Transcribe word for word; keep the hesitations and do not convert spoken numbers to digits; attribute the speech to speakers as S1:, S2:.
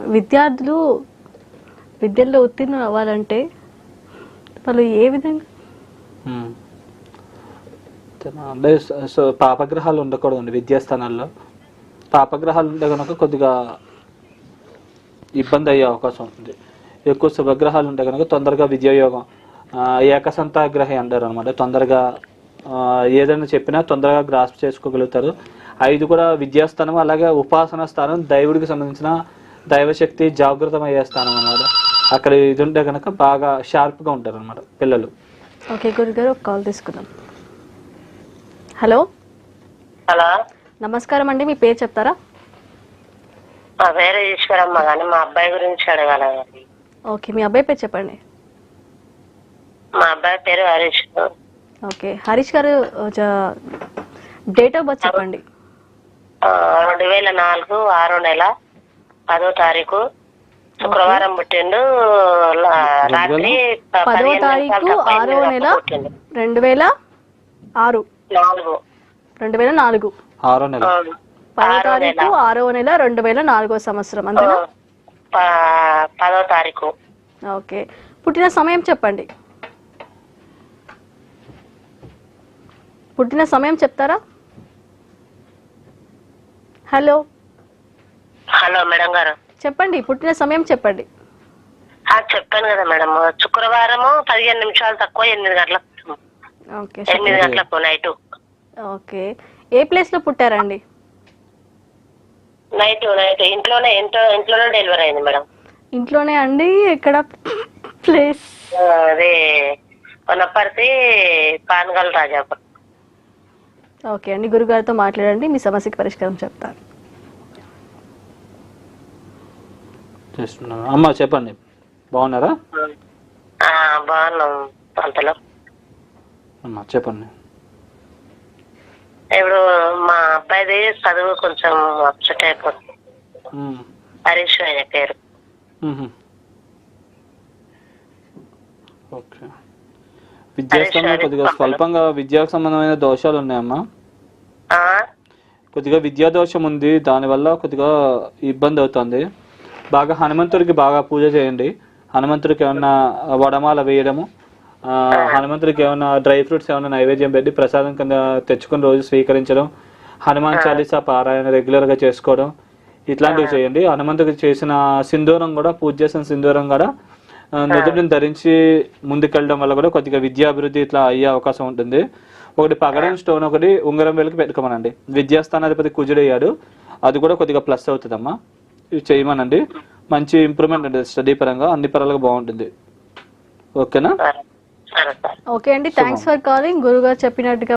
S1: విద్యార్థులు విద్యలో ఉత్తీర్ణులు అవ్వాలంటే వాళ్ళు ఏ విధంగా
S2: అంటే సో పాపగ్రహాలు ఉండకూడదండి విద్యాస్థానాల్లో. పాపగ్రహాలు ఉంటే కనుక కొద్దిగా ఇబ్బంది అయ్యే అవకాశం ఉంటుంది. ఎక్కువ శుభగ్రహాలు ఉంటే కనుక తొందరగా విద్యాయోగం, ఏకసంతాగ్రహి అంటారు అనమాట. తొందరగా ఏదైనా చెప్పినా తొందరగా గ్రాస్ప్ చేసుకోగలుగుతారు. ఐదు కూడా విద్యాస్థానం, అలాగే ఉపాసన స్థానం, దైవుడికి సంబంధించిన దైవశక్తి జాగృతమయ్యే స్థానం అనమాట. అక్కడ ఇది ఉంటే కనుక బాగా షార్ప్గా ఉంటారు అనమాట పిల్లలు.
S1: ఓకే గురుగారు, ఒక కాల్ తీసుకుందాం. హలో
S3: హలో
S1: నమస్కారం అండి, మీ పేరు చెప్తారా?
S3: మా పేరు ఈశ్వరమ్మ, కానీ మా అబ్బాయి గురించి అడగాలి.
S1: ఓకే, మీ అబ్బాయి పేరు చెప్పండి.
S3: మా అబ్బాయి పేరు హరీష్.
S1: ఓకే హరీష్ గారు, డేట్ ఆఫ్ బర్త్ చెప్పండి.
S3: రెండు వేల నాలుగు ఆరో నెల పదో తారీఖు శుక్రవారం పుట్టిండు. రాత్రి
S1: పదో తారీఖు ఆరో నెల రెండు వేల ఆరు
S3: నాలుగు
S1: రెండు వేల నాలుగు
S2: ఆరో నెల
S1: పదో తారీఖు ఆరో నెల రెండు వేల నాలుగో సంవత్సరం అంతేనా?
S3: పదో తారీఖు.
S1: ఓకే, పుట్టిన సమయం చెప్పండి. పుట్టిన సమయం చెప్తారా? హలో
S3: హలో మేడం గారు
S1: చెప్పండి, పుట్టిన సమయం చెప్పండి.
S3: చెప్పాను కదా మేడం, శుక్రవారము పదిహేను నిమిషాలు తక్కువ ఎనిమిది గంటలకు.
S1: ఓకే
S3: ఎనిమిది గంటలకు నైట్.
S1: ఓకే, ఏ ప్లేస్ లో పుట్టారండి?
S3: నైట్ నైట్ ఇంట్లోనే ఇంట్లో ఇంట్లోనే డెలివరీ అయింది మేడం.
S1: ఇంట్లోనే అండి? ఎక్కడ ప్లేస్?
S3: అదే వనపర్తి పానగల్ రాజాపురం.
S1: ఓకే అండి, గురుగారితో మాట్లాడండి, మీ సమస్యకి పరిష్కారం చెప్తాను.
S2: అమ్మా చెప్పండి, బాగున్నారా?
S3: బాగున్నాం అంతలో.
S2: అమ్మా చెప్పండి.
S3: ఇప్పుడు మా అబ్బాయిది చదువు కొంచెం అప్సెట్ అయిపోతుంది. హరీష్ ఆయన పేరు.
S2: ఓకే, విద్యాస్థానంలో కొద్దిగా స్వల్పంగా విద్యాకు సంబంధమైన దోషాలు ఉన్నాయమ్మా. కొద్దిగా విద్యా దోషం ఉంది, దానివల్ల కొద్దిగా ఇబ్బంది అవుతుంది. బాగా హనుమంతుడికి బాగా పూజ చేయండి. హనుమంతుడికి ఏమన్నా వడమాల వేయడము, హనుమంతుడికి ఏమన్నా డ్రై ఫ్రూట్స్ ఏమన్నా నైవేద్యం పెట్టి ప్రసాదం కింద తెచ్చుకుని రోజు స్వీకరించడం, హనుమాన్ చాలీసా పారాయణ రెగ్యులర్గా చేసుకోవడం, ఇట్లాంటివి చేయండి. హనుమంతుడికి చేసిన సింధూరం కూడా, పూజ చేసిన సింధూరం కూడా నుదుటిని ధరించి ముందుకెళ్ళడం వల్ల కూడా కొద్దిగా విద్యాభివృద్ధి ఇట్లా అయ్యే అవకాశం ఉంటుంది. ఒకటి పగడం స్టోన్ ఒకటి ఉంగరం వేలికి పెట్టుకోమనండి. విద్యాస్థానాధిపతి కుజుడయ్యాడు, అది కూడా కొద్దిగా ప్లస్ అవుతుందమ్మా. ఇవి చేయమనండి, మంచి ఇంప్రూవ్మెంట్ ఉంటుంది స్టడీ పరంగా, అన్ని పరాలుగా బాగుంటుంది. ఓకేనా?
S1: ఓకే అండి, థ్యాంక్స్ ఫర్ కాలింగ్. గురుగారు చెప్పినట్టుగా